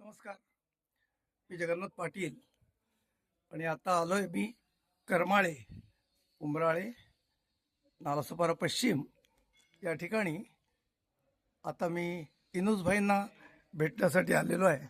नमस्कार. मी जगन्नाथ पाटील आणि आता आलो आहे मी करमाळे, उंबराळे, नालासोपारा पश्चिम या ठिकाणी. आता मी इनुसभाईंना भेटण्यासाठी आलेलो आहे.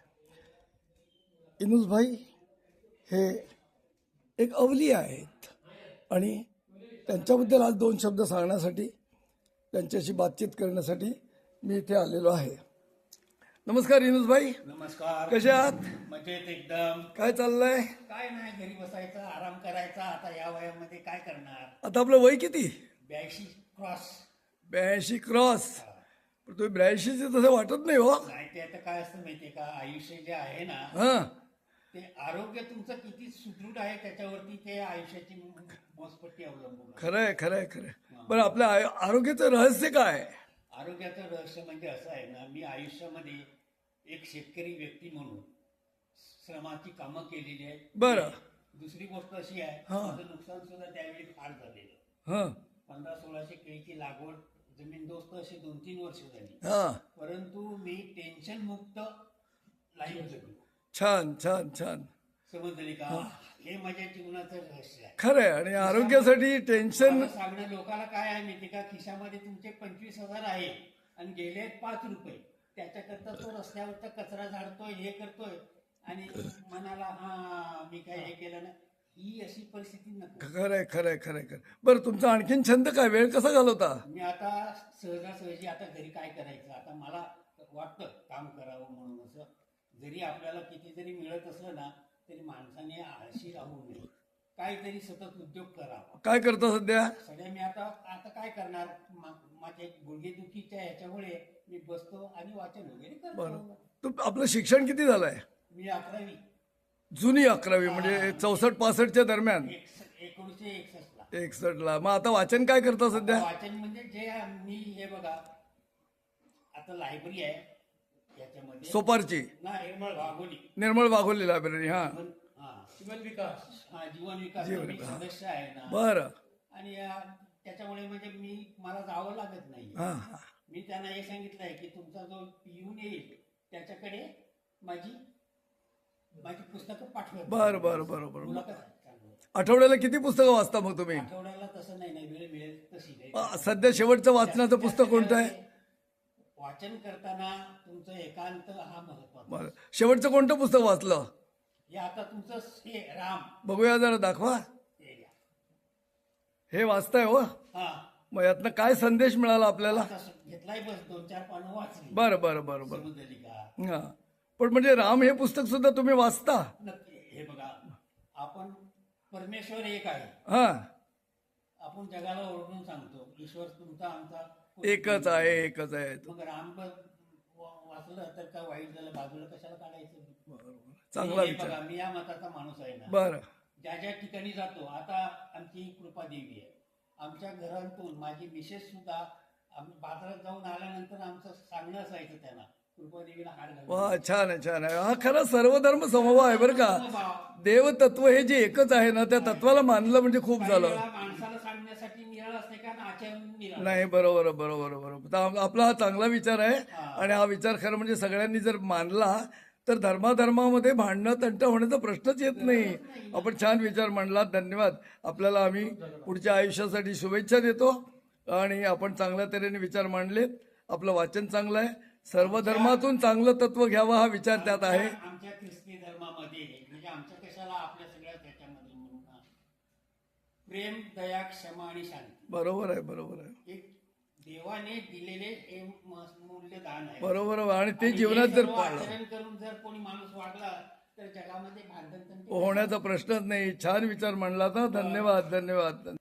इनुसभाई हे एक अवलिया आहेत आणि त्यांच्याबद्दल आज दोन शब्द सांगण्यासाठी, त्यांच्याशी बातचीत करण्यासाठी मी इथे आलेलो आहे. नमस्कार इनुसभाई. नमस्कार. कसे आहात? मजेत एकदम. काय चाललंय? काय नाही, घरी बसायचं, आराम करायचा. आता या वयामध्ये काय करणार. आता आपलं वय किती? 82 क्रॉस. 82 क्रॉस. पण तुम्ही 82 तसं वाटत नाही हो. नाही, ते आता काय असतं माहितीये का, आयुष्य जे आहे ना, हा, ते आरोग्य तुमचं किती सुदृढ आहे त्याच्यावरती ते आयुष्याची मोजपट्टी अवलंबून आहे. खरंय खरंय खरंय. पण आपल्या आरोग्याचं रहस्य काय? आरोग्याचं रहस्य म्हणजे असं आहे ना, मी आयुष्यामध्ये एक शेतकरी व्यक्ती म्हणून श्रमाची कामं केलेली आहेत. बरं. दुसरी गोष्ट अशी आहे, हा. माझं नुकसान सुद्धा त्यावेळी फार झालेलं. हा 1500-1600 केळीची लागवड जमीनदोस्त अशी 2-3 वर्ष झाली. हा. परंतु मी टेन्शन मुक्त लाईफ जगलो. छान छान छान. समजले का? हे माझ्या जीवनाचं रहस्य आहे. खरंय. आणि आरोग्यासाठी टेन्शन. मला सांगणं लोकांना काय आहे माहिती का, खिशामध्ये तुमचे 25,000 आहे आणि गेले 5 रुपये, त्याच्याकरता तो रस्त्यावरचा कचरा झाडतोय, हे करतोय आणि मनाला हा मी काय हे केलं ना, ही अशी परिस्थिती नको. खरंय खरंय खरंय खरं. बरं, तुमचा आणखीन छंद काय? वेळ कसा घालवता? मी आता सहजासहजी आता घरी काय करायचं, आता मला वाटतं काम करावं म्हणून. असं जरी आपल्याला किती जरी मिळत असलं ना, तरी माणसाने आळशी राहू नये, काहीतरी सतत उद्योग करावा. काय करता सध्या? सध्या मी आता आता काय करणार, माझ्या गुडघेदुखीच्या ह्याच्यामुळे मी बसतो आणि वाचन वगैरे बरं. करतो. आपलं शिक्षण किती झालंय? मी 11वी. जुनी 11वी म्हणजे 64-65च्या दरम्यान. 1961 ला. 61 ला. मग आता वाचन काय करता सध्या? वाचन म्हणजे जे मी हे बघा, आता लायब्ररी आहे याच्यामध्ये सोपारची ना, निर्मळ वाघोली लायब्ररी. हा. जीवन विकास. जीवन मी विकास. सदस्य आहे ना. बरं. आणि त्याच्यामुळे म्हणजे मला जावं लागत नाही. हा हा. मी त्यांना हे सांगितलं आहे की तुमचा जो पिऊन येईल त्याच्याकडे माझी पुस्तकं पाठवा. बरं बरं बरं बरं. मुलाखत आहे. चांगलं. आठवड्याला किती पुस्तकं वाचता मग तुम्ही? आठवड्याला तसं नाही, वेळ मिळेल तशी नाही. सध्या शेवटचं वाचनाचं पुस्तक कोणतं आहे? वाचन करताना तुमचं एकांत हा महत्वाचा. बरं. शेवटचं कोणतं पुस्तक वाचलं? हे आता तुमचं हे राम. बघूया जरा, दाखवा. हे घ्या. हे वाचताय हो? हा. मग यातनं काय संदेश मिळाला आपल्याला? आता घेतलाय, बस 2-4 पानं वाचली. बरं बरं बरं बरं. समजली का? हा. पण म्हणजे राम हे पुस्तक सुद्धा तुम्ही वाचता? नक्की. हे बघा, आपण परमेश्वर एक आहे. हा. आपण जगाला ओरडून सांगतो ईश्वर तुमचा आमचा एकच आहे, एकच आहे. मग राम वाचलं तर काय वाईट झालं, बाजूला कशाला काढायचं. चांगला हे विचार. बघा, मी या मताचा माणूस आहे ना. बरं. ज्या ज्या ठिकाणी जातो, आता आमची कृपा देवी आहे, आमच्या घरातून माझी मिसेस सुद्धा आम्ही बाजारात जाऊन आल्यानंतर आमचं सांगणं असायचं त्यांना, कृपादेवीला हार घालून. वा, छान आहे छान आहे. हा खरा सर्वधर्म समभाव आहे बरं का. देवतत्व हे जे एकच आहे ना, त्या तत्वाला मानलं म्हणजे खूप झालं. माणसाला सांगण्यासाठी निराळ असते का, आचरण निराळ. नाही, बरोबर बरोबर बरोबर. तर आपला हा चांगला विचार आहे. आणि हा विचार खरं म्हणजे सगळ्यांनी जर मानला तर धर्माधर्मामध्ये भांडणं तंट होण्याचा प्रश्नच येत नाही. आपण छान विचार मांडला, धन्यवाद. आपल्याला आम्ही पुढच्या आयुष्यासाठी शुभेच्छा देतो. आणि आपण चांगल्या तऱ्हेने विचार मांडलेत. आपलं वाचन चांगलं आहे. सर्व धर्मातून चांगलं तत्व घ्यावं हा विचार त्यात आहे. आमच्या ख्रिस्ती धर्मामध्ये म्हणजे आमच्या कशाला आपल्या सगळ्या त्याच्यामध्ये म्हणून प्रेम, दया, क्षमा आणि शांती. बरोबर आहे बरोबर आहे. एक देवाने दिलेले हे मूल्यदान आहे. बरोबर. आणि ते जीवनात जर पाळलं, आचरण करून जर कोणी माणूस वागला तर जगामध्ये भांडण होण्याचा प्रश्नच नाही. छान विचार मांडला तर धन्यवाद धन्यवाद.